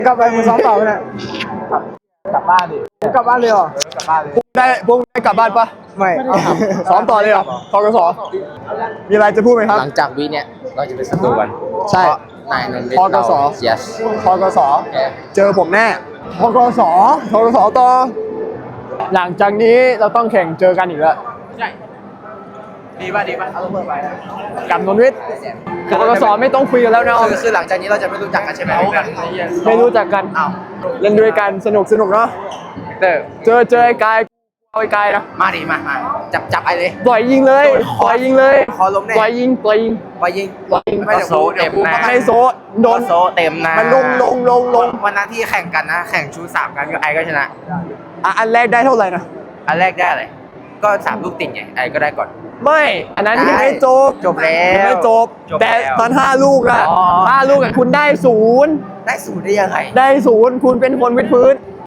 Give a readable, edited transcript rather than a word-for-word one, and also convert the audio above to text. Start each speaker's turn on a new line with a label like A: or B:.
A: กลับไปมึงซ้อมต่อเนี่ย
B: กลับบ้านดิ
A: กลับบ้านเลยเหรอก
B: ลับบ้านเลย
A: พวกได้กลับบ้านปะไม่ซ้อมต่อเลยเหรอทกสมีอะไรจะพูดไหมครับ
C: หลังจากวีเนี่ยเราจะเป็นศัตรูกัน
A: ใช่
C: นายนนท์
A: พกส
C: เสีย
A: ทกสเจอผมแน่ทกสต่อหลังจากนี้เราต้องแข่งเจอกันอีกแล้ว
B: ดีป่ะเอาเพิ่มไป
A: กับนนท์วิทย์ทกสไม่ต้องคุยกันแล้วนะ
C: คือหลังจากนี้เราจะไม่รู้จักกันใช่ไหม
A: ไม่รู้จักกันเล่นด้วยกันสนุกเนาะเจอไอ้กายเอาไอ้กายนะ
C: มาดิมาจับไอ้เลย
A: ปล่อยยิงเลยปล่อยยิงเลย
C: คอล้มแน่
A: ปล่อยยิง
C: ไปยิง
A: ไม่ได้โซเต็มนะไม่โซโดน
C: โซเต็มนะ
A: มันลง
C: วันนั้นที่แข่งกันนะแข่งชู3กันก็ไอ้ก็ชนะ
A: อันแรกได้เท่าไหร่นะ
C: อันแรกได้อะไรก็3ลูกติดไงไอ้ก็ได้ก่อน
A: ไม่อันนั้นยังไม่จบ
C: จบแล้ว
A: ยังไม่จบ
C: จบแล้ว
A: แต่ตอน5 ลูกอะ
C: อ๋อ
A: 5 ลูกอะคุณได้ 0
C: ได้0ได้ยังไง
A: ได้ 0คุณเป็นคนวิดพื้น